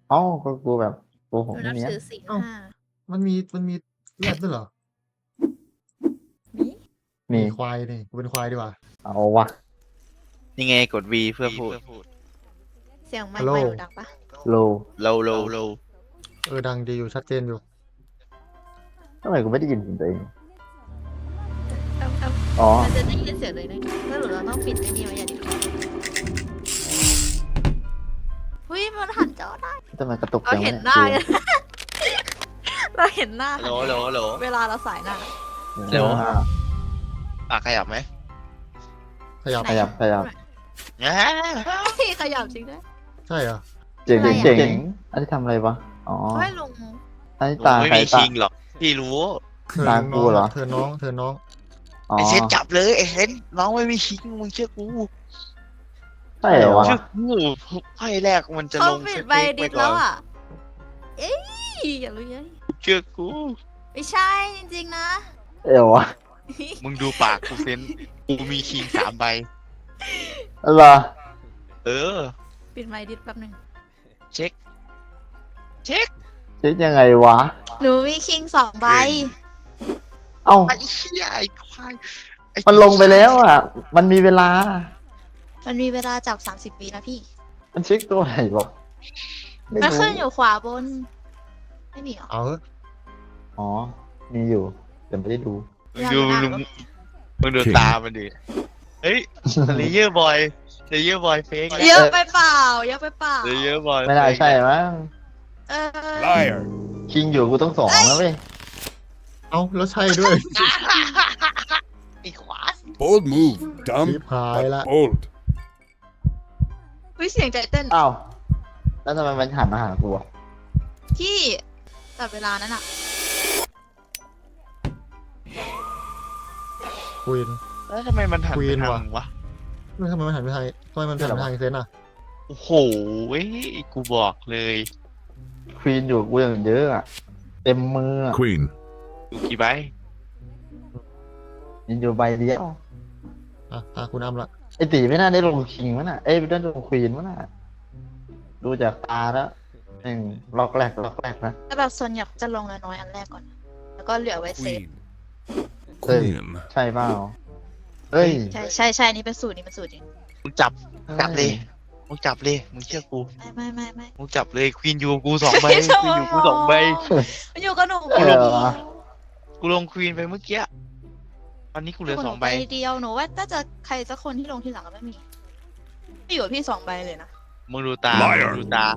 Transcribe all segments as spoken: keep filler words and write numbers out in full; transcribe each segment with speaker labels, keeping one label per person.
Speaker 1: เอ้าก็กูแบบโกห
Speaker 2: ห
Speaker 1: ก
Speaker 2: นู
Speaker 1: ไม่
Speaker 2: นับ
Speaker 1: เนี้ย
Speaker 2: ถือศีล
Speaker 3: เอ้า
Speaker 2: ห้า
Speaker 3: มันมีมันมีแรดด้วยเหรอ
Speaker 2: มี
Speaker 1: มี
Speaker 3: มีควายนี่กูเป็นควายดีกว่า
Speaker 1: เอาวะ
Speaker 4: ยังไงกด V เพื่อพูด
Speaker 2: เสียงไม
Speaker 3: ฮั
Speaker 2: ค์
Speaker 3: ลโหล
Speaker 2: ไม่หนูดังปะ
Speaker 1: โล
Speaker 4: low low low
Speaker 3: เออดังดีอยู่ชัดเจนอยู่
Speaker 1: ทำไมกูไม่ได้ยินเสียงตัวเอง
Speaker 2: เอ้าเอ้า
Speaker 1: อ๋อ
Speaker 2: มันจะได้ยินเสียงเลยนะแล้วหนูเราต้องปิดไอ้นี่ไว้อย่างนี้เฮ้ยมันหันจอได้
Speaker 1: ทำไมกระตุก
Speaker 2: เรา
Speaker 1: จัง
Speaker 2: เห็น
Speaker 1: วะ
Speaker 2: หน้า
Speaker 1: เนี่ย
Speaker 2: กัน เราเห็นหน้า
Speaker 4: โหลโหลโหล
Speaker 2: เวลาเราสายหน้า
Speaker 4: เดี๋ยว
Speaker 1: อ่า
Speaker 4: อ่ะขยับไหม
Speaker 3: ขยับ
Speaker 1: ขยับขยับ
Speaker 4: อ่า
Speaker 2: เฮ้ยขยับจริงด้วย
Speaker 3: ใช่เหรอ
Speaker 1: เจ๋ง
Speaker 2: อะไรอะ
Speaker 1: เจ๋งอันนี้ทำอะไรวะอ๋อ
Speaker 2: เฮ้ยลุง
Speaker 1: อันนี้
Speaker 4: หนู
Speaker 1: ตา
Speaker 4: ไม่
Speaker 1: ใคร
Speaker 4: มี
Speaker 1: ตา
Speaker 4: คิงหรอกพี่รู้
Speaker 3: เธอ
Speaker 1: ตา
Speaker 3: น้
Speaker 1: กู
Speaker 3: อง
Speaker 1: เหรอ
Speaker 3: เธอน้องเธอน้อง
Speaker 1: อ๋อ
Speaker 4: ไอเซนจับเลยไอเซนน้องไม่มีคิงมึงเชื่อกู
Speaker 1: ใช่เหรอวะ
Speaker 4: เชื่อกูไพ่แรกมันจะ
Speaker 2: เขา
Speaker 4: ลง
Speaker 2: ปิ
Speaker 4: ส
Speaker 2: ดใบ
Speaker 4: เต็กไป
Speaker 2: ดิด
Speaker 4: ก่อ
Speaker 2: แล้ว
Speaker 4: น
Speaker 2: อ่ะ เอ้ยอย่ารู้เยอะ
Speaker 4: เชื่อกู
Speaker 2: ไม่ใช่จริงๆนะ
Speaker 1: เอววะ
Speaker 4: มึงดูปากกูเซนกูมีคิงสามใบ
Speaker 1: อะไรอ
Speaker 4: เออ
Speaker 2: ปิดไมค์ดิดแป๊บหนึง
Speaker 4: เช็ค เช็ค
Speaker 1: เช็คยังไงวะ
Speaker 2: หนูมีคิงสองใบ
Speaker 1: เอ้า
Speaker 4: ไอ้เหี้ยไอ้ควายไอ้
Speaker 1: มันลงไปแล้วอ่ะ มันมีเวลา
Speaker 2: มันมีเวลาจับสามสิบวินะพี่
Speaker 1: มันเช็คตัวไหนบอกไม่
Speaker 2: มัน
Speaker 1: รู้
Speaker 2: ขึ้นอยู่ขวาบน ไม่มีเหรอ
Speaker 3: เอาเถอะ
Speaker 1: อ๋อ มีอยู่แต่ไม่ได้ดู
Speaker 4: มึงดูมึงมึงดูตามันดิเฮ้ยเลเยอร์บอยเลเยอร์บอยเฟก
Speaker 2: เยอะไปเปล่าเยอะไปเปล่า
Speaker 4: เลเยอร์บอย
Speaker 1: ไม่ได้ใช่มั้ง
Speaker 2: เออ
Speaker 5: Liar.
Speaker 1: คิงอยู่กูต้องสองนะเว้ย
Speaker 3: เอาแล้วใช่ด้วย
Speaker 4: ไอ้ขวา
Speaker 5: Bold move, dumb,
Speaker 3: ชิบหายละ
Speaker 5: but bold.
Speaker 2: วิเสียงใจเต้น
Speaker 1: อ้าวแล้วทำไมมันหันมาหากูอะ
Speaker 2: พี่จับเวลานั้นอ่ะ
Speaker 3: ควีน
Speaker 4: แล้วทำไมมันหัน
Speaker 3: ควี
Speaker 4: ไป
Speaker 3: น
Speaker 4: ทา
Speaker 3: ว่ะ
Speaker 4: งวะ
Speaker 3: ไม่ทำไมมันหันไปทางทำไมมันหันไปทางเซนอ่ะ
Speaker 4: โอ้โหเว้ยกูบอกเลย
Speaker 1: ควีนอยู่กูอย่างเยอะอะเต็มมืออะ
Speaker 5: Queen.
Speaker 4: ดูกี่ใบ
Speaker 1: ยินอยู่ใบเดียว
Speaker 3: อ่ะตาคุณอ้ำละ
Speaker 1: ไอตีไม่น่าได้ลงคิงมั้งน่ะ เอ้ยไม่ได้ลงควีนมั้งน่ะ ดูจากตาแล้วหนึ่งล็อกแรกล็อกแรกนะ
Speaker 2: แต่แบบส่วนใหญ่จะลงน้อยๆอันแรกก่อน แล้วก็เหลือไว้เซฟ
Speaker 5: Queen.
Speaker 1: Hey.
Speaker 5: Queen.
Speaker 1: ใช่เปล่าเฮ้ย
Speaker 2: ใช่ใช่ใช่นี่เป็นสูตรนี่เป็นสูตรจริง
Speaker 4: มึงจับจับเลยมึงจับเลยมึงเชื่อกู
Speaker 2: ไม่ไม่ไม่ไม่
Speaker 4: มึงจับเลยควีนอยู่กับกูสองใบ
Speaker 2: ไม่
Speaker 4: ควีนอยู่กูสองใบ
Speaker 2: มันอยู่กับหนู
Speaker 1: เออเหรอ
Speaker 4: กูลงควีนไปเมื่อกี้ตอนนี้กูเหลือสองใบ
Speaker 2: เดียวหนูว่าน่าจะใครสักคนที่ลงทีหลังก็ไม่มีไม่อยู่กับพี่สองใบเลยนะ
Speaker 4: มึงดูตา
Speaker 5: Liar
Speaker 4: มึงดูตา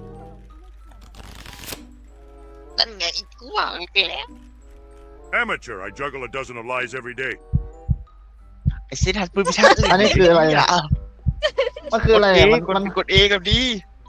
Speaker 4: นั่นไงกูว่ามึงไปแล้ว
Speaker 5: Amateur. I juggle a dozen of lies every day.
Speaker 4: ไอ้เซนหันปืนไปชาร์จเลย
Speaker 1: อันนี้คืออะไรอะ มันคืออะไรอะมัน
Speaker 4: กด
Speaker 1: มัน
Speaker 4: กดเอกับดี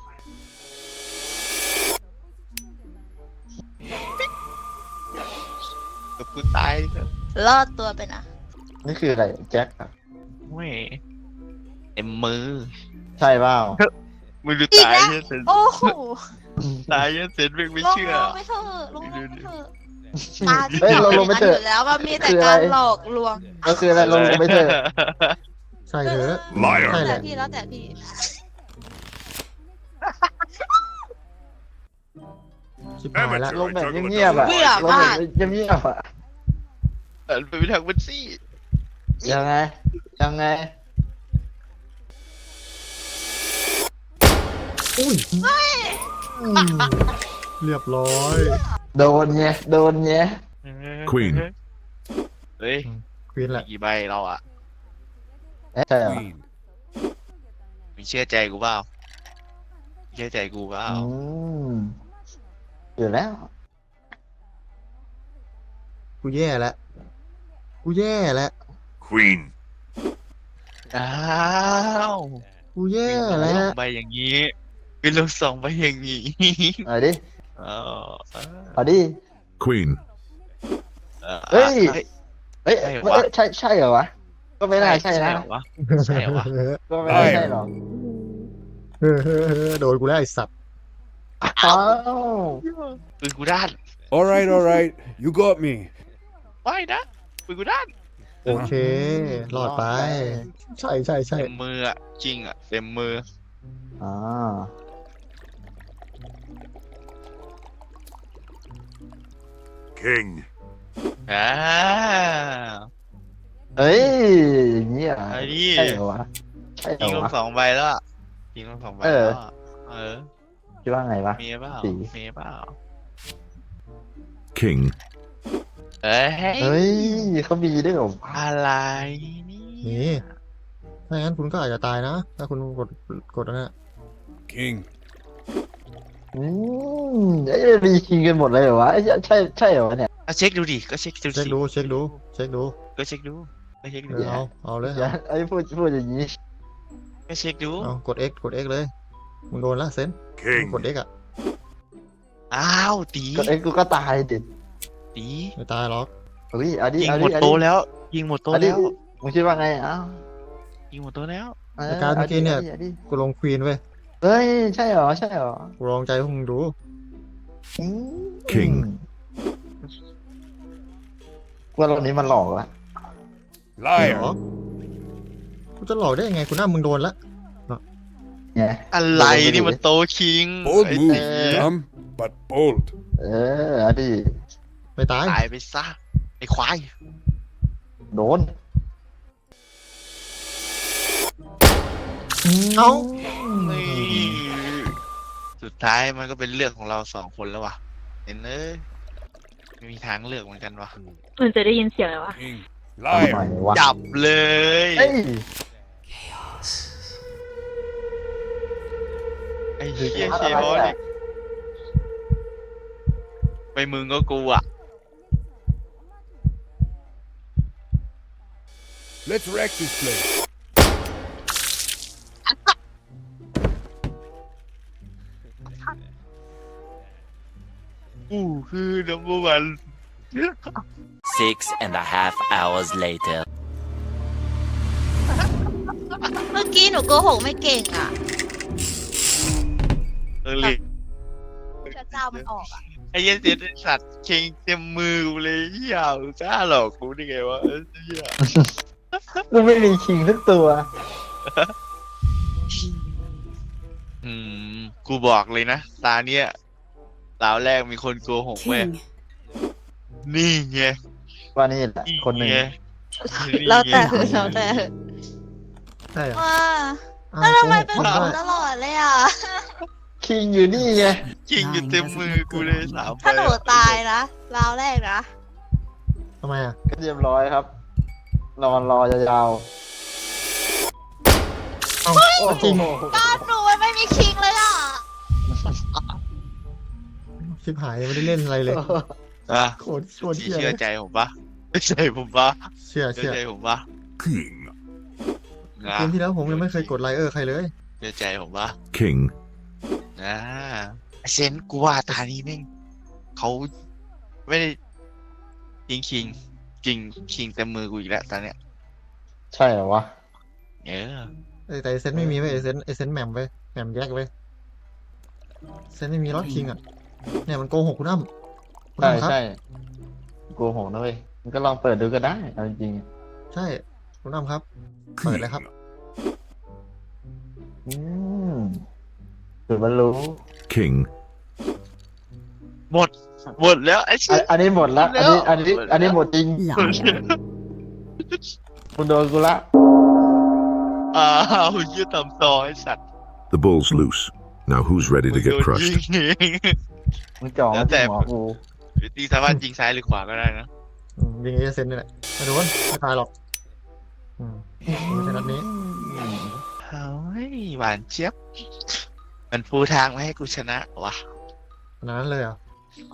Speaker 4: กับกูตาย
Speaker 2: รอดตัวไปนะ
Speaker 1: นี่คืออะไรแจ็คอะ
Speaker 4: เว้ยเต็มมือ
Speaker 1: ใช่เปล่า
Speaker 4: มึงดูตายเหี้ยเซน
Speaker 2: โอ้โห
Speaker 4: ตายเหี้ยเซนมึงไม่
Speaker 2: ลง
Speaker 4: เชื่อ
Speaker 2: ลงไปเถอะลงลงไปเถอะตาที่
Speaker 1: เฮ้ยลงลงไปเถอะ
Speaker 2: ยู่แล้วว่ามีแต่
Speaker 1: คืออะไร
Speaker 2: การหลอกลวง
Speaker 1: ก็คืออะไรลงไปเถอะ
Speaker 3: ใช่เถอะ
Speaker 5: Liar
Speaker 3: ใช่
Speaker 2: แล้ว
Speaker 3: แห
Speaker 2: แต่
Speaker 3: ละ
Speaker 2: พี่แล้วแต่พี่
Speaker 3: ชิบหายละ
Speaker 5: Amateur.
Speaker 1: ลง
Speaker 5: I
Speaker 1: แบบ
Speaker 5: juggle a
Speaker 1: เงียบๆ
Speaker 5: dozen
Speaker 1: อะ
Speaker 5: of
Speaker 2: เบื่อ
Speaker 5: lies
Speaker 1: ลง
Speaker 2: มา
Speaker 1: แบ
Speaker 2: ก
Speaker 1: บเงียบๆอะ
Speaker 4: เออไปทางบัญชี
Speaker 1: ยังไง ยังไง
Speaker 3: อุ้ยอืมเรียบร้อย
Speaker 1: โดนไงโดนไง
Speaker 5: Queen
Speaker 4: เฮ้ย
Speaker 3: ควีนแหละ
Speaker 4: กี่ใบเราอ่ะ
Speaker 1: เอ๊ะใช่เหรอ
Speaker 5: Queen.
Speaker 4: มึงเชื่อใจกูเปล่าเชื่อใจกูเปล่า
Speaker 1: อืมอยู่แล้ว
Speaker 3: กูแย่แล้วกูแย่แล้ว
Speaker 5: Queen.
Speaker 4: อ้าว
Speaker 3: กูแย่
Speaker 4: เป็น
Speaker 3: แล้
Speaker 4: ล
Speaker 3: ว
Speaker 4: งใบอย่างนี้เป็นลงสองใบอย่างนี้
Speaker 1: เอาดิ
Speaker 4: อ๋อ
Speaker 1: เอาดิ
Speaker 5: Queen.
Speaker 1: เฮ้ย
Speaker 4: เฮ้ย
Speaker 1: เอ้ย
Speaker 4: ใช่เหรอ
Speaker 1: เอ้
Speaker 4: วะ
Speaker 1: ยใช่ใช่เหรอวะ ก็ไม่น่าใช่นะ
Speaker 4: เหรอวะใช่เหรอวะ
Speaker 1: ก็ไม่น่าใช่หรอก
Speaker 3: เออเออเออโดนกูแล้วไอ้สัตว์
Speaker 1: อ้าว
Speaker 4: ปืนกูด้าน
Speaker 5: All right, all right. You got me.
Speaker 4: ไม่นะปืนกูด้าน
Speaker 3: โอเครอดไป ใช่ใช่ใช่
Speaker 4: เต็มมืออ่ะจริงอ่ะเต็มมือ
Speaker 1: อ่า
Speaker 5: King.
Speaker 4: อ่า
Speaker 1: เอ้ยอย่างนี้อ่ะ
Speaker 4: ไอ้นี่
Speaker 1: ใช่เหรอวะใช่เหร
Speaker 4: ยิ
Speaker 1: อง
Speaker 4: ลง
Speaker 1: วะ
Speaker 4: สองใบแล้วอะยิงลงสองใบ
Speaker 1: เออ
Speaker 4: แล้วอะเออ
Speaker 1: คิดว่าไงวะ
Speaker 4: มีเปล่า
Speaker 1: สี
Speaker 4: มีเปล่า
Speaker 3: King.
Speaker 4: เอ้ย
Speaker 1: เฮ้ยเขามีด้วยเหรอวะ
Speaker 4: อะไร
Speaker 6: นี่
Speaker 4: เนี่ย
Speaker 6: ถ้างั้นคุณก็อาจจะตายนะ ถ้าคุณกดกดอันนั้นอะ
Speaker 5: King.
Speaker 1: อืมไอ้ยมีคิงกันหมดเลยเหรอวะไอ้ยใช่ใช่เหรอวะเนี่ย
Speaker 4: อ่ะเช็คดูดิก็เช็คดู
Speaker 6: เช็ค
Speaker 4: สิ
Speaker 6: ดูเช็คดูเช็คดู
Speaker 4: ก็เช็คดูก็เช็ค
Speaker 6: เอ
Speaker 4: ดู
Speaker 6: อเอาเอาเลย
Speaker 1: อย่าไอ้พูดพูดอย่างนี้
Speaker 4: ก็เช็คดู
Speaker 6: เอากด X กด X เลยมึงโดนละเซน
Speaker 5: King.
Speaker 6: กด X อ่ะ
Speaker 4: อ้าวตี
Speaker 1: ก็เอ็กซ์กูก็ตายดิ
Speaker 4: ตี
Speaker 6: ไม่ตายหรอก
Speaker 1: เฮ้ยเอาดิ
Speaker 4: ยิง
Speaker 1: เอา
Speaker 4: หม
Speaker 1: ดิ
Speaker 4: ด
Speaker 1: เอา
Speaker 4: โตะ
Speaker 1: ดิ
Speaker 4: แล้ว ยิงหมดโตะ
Speaker 1: เอาดิ
Speaker 4: แล้ว
Speaker 1: มึงคิดว่าไงเอ้า
Speaker 4: ยิงหมดโตะแล้ว
Speaker 1: เออ
Speaker 6: ในการเมื่อกี้เนี่ย
Speaker 1: อาดิ
Speaker 6: กูลงควีนเว้ย
Speaker 1: เฮ้ยใช่เหรอใช่เหรอ
Speaker 6: กูลองใจพวกมึงดู
Speaker 1: อืม
Speaker 3: King
Speaker 1: ว่าตรงนี้มันหลอกละ
Speaker 6: เหร
Speaker 5: Liar.
Speaker 6: อกูจะหลอกได้ยังไงกูหน้ามึงโดนละ
Speaker 1: เนี่ย
Speaker 4: อะไรนี่มันโตะคิง
Speaker 5: Bold
Speaker 4: ไอ้
Speaker 5: move,
Speaker 4: ตี
Speaker 5: dumb, but bold.
Speaker 1: เออเอาดิ
Speaker 6: ไม่ตาย
Speaker 4: ตายไปซะไอ้ควาย
Speaker 1: โดน
Speaker 6: เอ้า
Speaker 4: นี่สุดท้ายมันก็เป็นเรื่องของเราสองคนแล้วว่ะเห็นเอ้ยไม่มีทางเลือกเหมือนกันว่ะ
Speaker 2: มันจะได้ยินเสียงอะไรวะ
Speaker 5: King.
Speaker 1: ทำไม
Speaker 5: Liar.
Speaker 1: วะ
Speaker 4: จับเลย
Speaker 1: เอ้ย
Speaker 4: ไอ้เหี้ย
Speaker 1: อะ
Speaker 4: เช
Speaker 1: ไร
Speaker 4: ฟ
Speaker 1: อะ
Speaker 4: นี่ไปมึงก็กูอ่ะ
Speaker 5: Let's wreck this place.
Speaker 4: กูคือ number one
Speaker 7: Six and a half hours later.
Speaker 2: เมื่อกี้หนูโกหกไม่เก่งอ่ะ
Speaker 4: เออเลย
Speaker 2: พระเจ้ามันออกอ่ะ
Speaker 4: ไอ้เหี้ยเสียไอ้สัตว์เชงเต็มมือกูเลยเหี้ยมึงกล้าหลอกกูได้ไงวะเอ้ยเหี้ย
Speaker 1: กูไม่มีคิงสักตัว
Speaker 4: อืมกูบอกเลยนะตาเนี้ยตาแรกมีคนโกหกแม่
Speaker 7: King.
Speaker 4: นี่ไง
Speaker 1: ว่านี่แหละคนหนึ่ง
Speaker 4: ไง
Speaker 2: แล้วแต่แล้วแต่
Speaker 6: ใช่เหรอ
Speaker 2: ว่า
Speaker 6: อ้า
Speaker 2: แล้วทำไม
Speaker 6: โก
Speaker 2: เป็น
Speaker 6: หก
Speaker 2: หนู
Speaker 6: ได้
Speaker 2: ตลอดเลยอ่ะ
Speaker 1: คิงอยู่นี่ไง
Speaker 4: จริงอยู่เต็มมือกูเลยสามใบ
Speaker 2: ถ้าหนูตายนะราวแรกนะ
Speaker 6: ทำไมอ่ะ
Speaker 1: ก็เรียบร้อยครับ นอนรอยาว
Speaker 6: เอ้า
Speaker 1: ๆโอ้
Speaker 6: จริง
Speaker 1: โห
Speaker 2: บ้านหนูมันไม่มีคิงเลยอ่ะ
Speaker 6: ชิบหายยังไม่ได้เล่นอะไรเลย
Speaker 4: อ่ะ
Speaker 6: โคตรโคตร
Speaker 4: พี่
Speaker 6: เชี่ย
Speaker 4: เชื่
Speaker 6: เล
Speaker 4: อย ใจผมปะไม่ใช่ผมปะ
Speaker 6: เชื่อ
Speaker 4: เชื่
Speaker 6: เชื่
Speaker 4: อ
Speaker 6: อ
Speaker 4: ใจผมปะ
Speaker 5: King.
Speaker 4: นะ
Speaker 6: เกมที่แล้วผมยังไม่เคยกดไลเออร์ใครเลย
Speaker 4: เชื่อใจผมปะ
Speaker 3: King.
Speaker 4: อ่าไอ้เซนกูว่าตานี้แม่งเขาไม่ได้ยิงคิงคิงคิงเต็มมือกูอีกแล้วตอนเนี้ย
Speaker 1: ใช่เหรอวะ
Speaker 4: เออ
Speaker 6: เอ้ยแต่ไอเซนไม่มีไว้ยไอเซนไอเซนแหม่มไว้ยแหม่มแยกไว้ยเซนไม่มีล็อตคิงอ่ะเนี่ยมันโกหกคุณอ้ำคุณ
Speaker 1: ใช่
Speaker 6: อ้ำครับ
Speaker 1: ใช่โกหกนะเว้ยมันก็ลองเปิดดูก็ได้เอาจริง
Speaker 6: ใช่คุณอ้ำครับ เปิดเลยครับ
Speaker 1: ๆอืมสุดบรรลุ
Speaker 3: King.
Speaker 4: หมดหมดแล้วไอ้เซ
Speaker 1: อัน
Speaker 4: น
Speaker 1: อันนี้หมดละอันนี้อันนี้อันนี้หมดจริง
Speaker 7: Liar.
Speaker 1: คุณโดนกูละ
Speaker 4: อ้าวยืดตำตอไอ้สัตว์
Speaker 3: The ball's loose. Now who's ready to
Speaker 4: โด
Speaker 3: get
Speaker 4: น
Speaker 3: crushed?
Speaker 4: ยิงเอง
Speaker 1: มึงจ่อ
Speaker 4: แล้
Speaker 1: มาว
Speaker 4: แต่
Speaker 1: ที่หัวกู
Speaker 4: ตีสามารถยิงซ้ายหรือขวาก็ได้นะ
Speaker 6: อืมยิงไอเซนนี่แหละไม่โดนไม่ตายหรอกอืมไม่ใช่นัดนี้
Speaker 4: เฮ้ยหวานเจี๊ยบมันปูทางมาให้กูชนะวะ
Speaker 6: ขนาดนั้นเลยเหรอ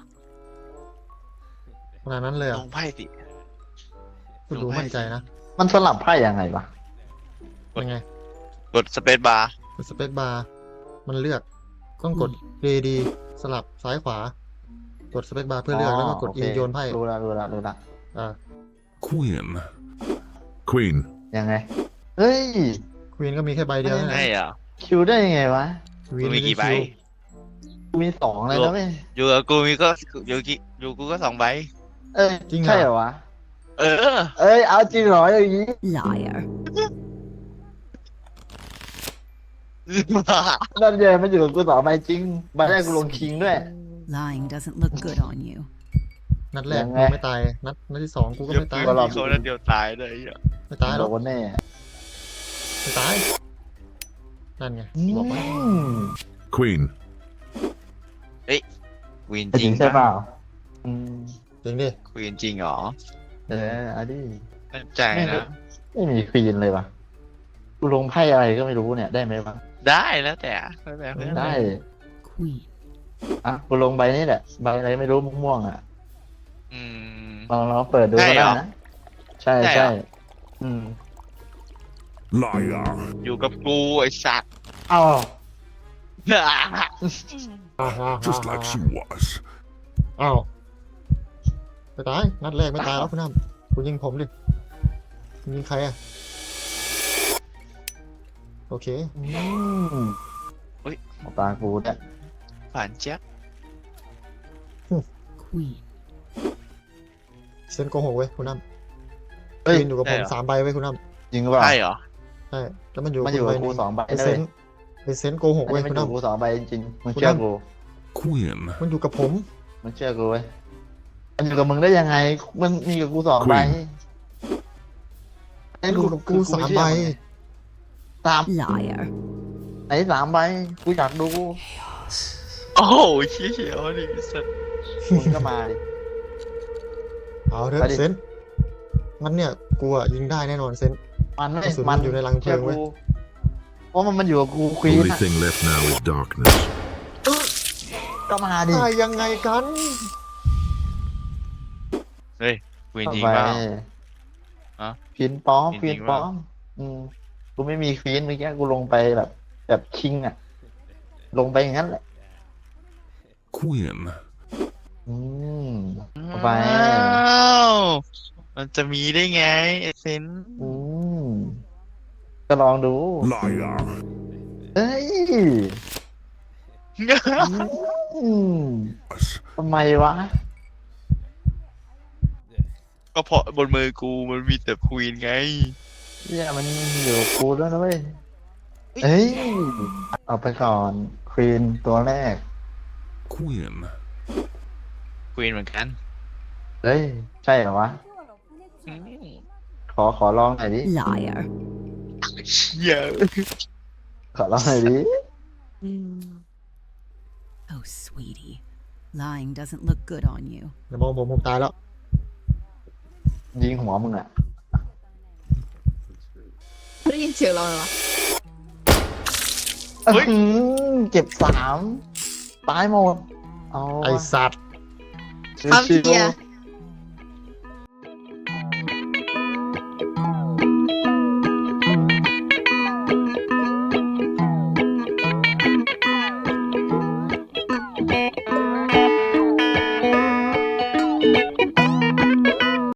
Speaker 6: ขนาดนั้นเลยเหร
Speaker 4: ล
Speaker 6: อง
Speaker 4: ไพ่สิ
Speaker 6: คุณดูมั่นใจนะ
Speaker 1: มันสลับไพ่ยังไงวะ
Speaker 6: ยังไง
Speaker 4: กดสเปซบาร์
Speaker 6: กดสเปซบาร์มันเลือกต้องกด A D สลับซ้ายขวา กดสเปซบาร์เพื่อเลือกแล้วก็กด
Speaker 1: โอ
Speaker 6: E
Speaker 1: เค
Speaker 6: โยนไพ่
Speaker 1: รู้ละรู้ละรู้ละ
Speaker 6: อ่า
Speaker 3: Queen. Queen.
Speaker 1: ยังไง เฮ้ย
Speaker 6: ควีนก็มีแค่ใบเดียวนะ
Speaker 4: ใช่เหรอ
Speaker 1: คิวได้ยังไงวะ
Speaker 6: ควี
Speaker 4: กู
Speaker 6: น
Speaker 4: มี
Speaker 6: ไม่ได้
Speaker 4: กี่ใบ
Speaker 6: คิว
Speaker 1: กูมีสองเลยนะเว้ย
Speaker 4: อยู่กับกูมีก็อยู่กี่อยู่กูก็สองใบ
Speaker 1: เอ้ยใช่เหรอวะ
Speaker 4: เออ
Speaker 1: เอ้ยเอาจริงเหรออย่างนี้
Speaker 7: Liar.
Speaker 1: นั่นเยมันอยู่กับกูต่อไปจริงใบแรกกูลงคิงด้วย
Speaker 7: Lying doesn't look good on you.
Speaker 6: นัดแรก
Speaker 1: ยัง
Speaker 6: กู
Speaker 1: ไง
Speaker 6: ไม่ตาย นัดนัดที่สองกูก็
Speaker 4: เดี๋ยว
Speaker 6: ไม่
Speaker 4: ปื
Speaker 6: ตาย
Speaker 4: นมีเขานัดเดียวตายเลยอ่ะ
Speaker 6: ไม่ตายหร
Speaker 1: โด
Speaker 6: อก
Speaker 1: นแน่
Speaker 6: ไม่ตาย นั่นไง
Speaker 1: อื
Speaker 6: บอกว่า
Speaker 1: ม
Speaker 5: Queen.
Speaker 4: ควีน
Speaker 1: ไอ้
Speaker 4: จ
Speaker 1: จ
Speaker 4: ริ
Speaker 1: ริ
Speaker 4: ง
Speaker 1: งใช่เปล่าอืม
Speaker 6: จริงดิ
Speaker 4: ควีนจริงเหรอ
Speaker 1: เออเอาดิ
Speaker 4: มั่นใจนะ
Speaker 1: ไม่มีควีนเลยว่ะกูลงไพ่อะไรก็ไม่รู้เนี่ยได้ไหมวะ
Speaker 4: ได้แล้วแต่แล้วแต่เพื่อน
Speaker 1: ได้
Speaker 3: Queen.
Speaker 1: อ่ะกูลงใบนี้แหละใบอะไรไม่รู้ม่วงๆอ่ะ
Speaker 4: อืม
Speaker 1: ลองลองเปิดดูก็
Speaker 4: ใช่เหร
Speaker 1: ได้
Speaker 4: อ
Speaker 1: นะใช่
Speaker 4: ใช่เหร
Speaker 1: ใช่
Speaker 4: อ
Speaker 1: อืม
Speaker 5: Liar.
Speaker 4: อยู่กับกูไอ้สัตว์
Speaker 1: เอ้า
Speaker 5: Just like she was.
Speaker 6: อ้าวไม่ตาย นัดแรกไม่ตายแล้วคุณน้ำคุณยิงผมดิคุณยิงใครอะโอเค
Speaker 1: อืมเอาตากูเนี่ย
Speaker 4: ผ่านเจ๊ยบ
Speaker 3: Queen.
Speaker 6: เซนโกหกเว้ยคุณน้ำ
Speaker 1: เฮ้ย
Speaker 6: ยืนอยู่กับผมสามใบไว้ยคุณน้
Speaker 1: จริงหรือเปล่า
Speaker 4: ใช่เหรอ
Speaker 6: ำใช่ แล้วมันอยู่
Speaker 1: มันอยู่กับ
Speaker 6: ใบห
Speaker 1: กู
Speaker 6: นึ่ง
Speaker 1: สองใบ
Speaker 6: ไอ
Speaker 1: นะ
Speaker 6: เซ
Speaker 1: เว้ย
Speaker 6: นไอเซนโกหก
Speaker 1: อัน
Speaker 6: เว้ย
Speaker 1: นี้มัน
Speaker 6: คุณ
Speaker 1: อยู่กับกู
Speaker 6: น้ำ
Speaker 1: สองใบจริงๆมึงเชื่อกู
Speaker 5: Queen.
Speaker 6: มันอยู่กับผม
Speaker 1: มึงเชื่อกูเว้ยมันอยู่กับมึงได้ยังไง มันมีกับกูสองใบ
Speaker 5: Queen
Speaker 1: ไอ้
Speaker 6: มันอยู่กับกูสามใบ
Speaker 1: สาม
Speaker 3: Liar.
Speaker 1: ไหนสามใบกูอยากดู
Speaker 4: โอ้โหเชี่ยวนี่สัตว์
Speaker 1: มึงก็มาดิ
Speaker 6: เอาเถอะ
Speaker 1: ไปดิ
Speaker 6: เซนงั้นเนี่ยกูอะยิงได้แน่นอนเซน
Speaker 1: มันไม่
Speaker 6: กระสุน
Speaker 1: มัน
Speaker 6: อยู่ในรังเพลิ
Speaker 1: เชื่อง
Speaker 6: เว้ย
Speaker 1: กูเพราะมันมันอยู่กับกูควีน
Speaker 5: Only
Speaker 1: อะ
Speaker 5: thing left now is darkness.
Speaker 1: ก็มาดิ
Speaker 6: ได้ยังไงกัน
Speaker 4: เฮ้ยควีน
Speaker 1: เข้า
Speaker 4: จริง
Speaker 1: ไป
Speaker 4: เปล่า ฮะ
Speaker 1: ควีนป้อม
Speaker 4: จ
Speaker 1: ค
Speaker 4: ริ
Speaker 1: วี
Speaker 4: ง
Speaker 1: น
Speaker 4: ๆ
Speaker 1: ป้อ
Speaker 4: เปล่า
Speaker 1: มอืมกูไม่มีควีนเมื่อกี้กูลงไปแบบ แบบคิงอะลงไปอย่างนั้นแหละ
Speaker 5: Queen.
Speaker 1: อืมเข้าไป
Speaker 4: อ้าวมันจะมีได้ไงไอ้เซน
Speaker 1: อืมก็ลองดู
Speaker 5: Liar.
Speaker 1: เฮ้ยอืมทำไมวะ
Speaker 4: ก็เพราะบนมือกูมันมีแต่ควีนไง
Speaker 1: เนี่ยมันอยู่กับกูด้วยนะเว้ยเฮ้ย เอาไปก่อนควีนตัวแรก
Speaker 5: Queen.
Speaker 4: ควีนเหมือนกัน
Speaker 1: เฮ้ย ใช่เหรอวะ
Speaker 4: อืม
Speaker 1: ขอขอลองหน่อยดิ
Speaker 3: Liar.
Speaker 4: เชี่ย
Speaker 1: ขอลองหน่อยดิ
Speaker 3: Oh, sweetie. Lying doesn't look good on you.
Speaker 6: อย่ามองผมผมตายแล้ว
Speaker 1: ยิงหัวมึงอ่ะ
Speaker 2: ได้ยินเสียงเราเลยวะ
Speaker 1: อื้อหือเจ็บสามตายหมด เอา
Speaker 6: ไอสัตว์
Speaker 1: ชิว
Speaker 2: ความ
Speaker 1: ชิ
Speaker 2: เพียว ร์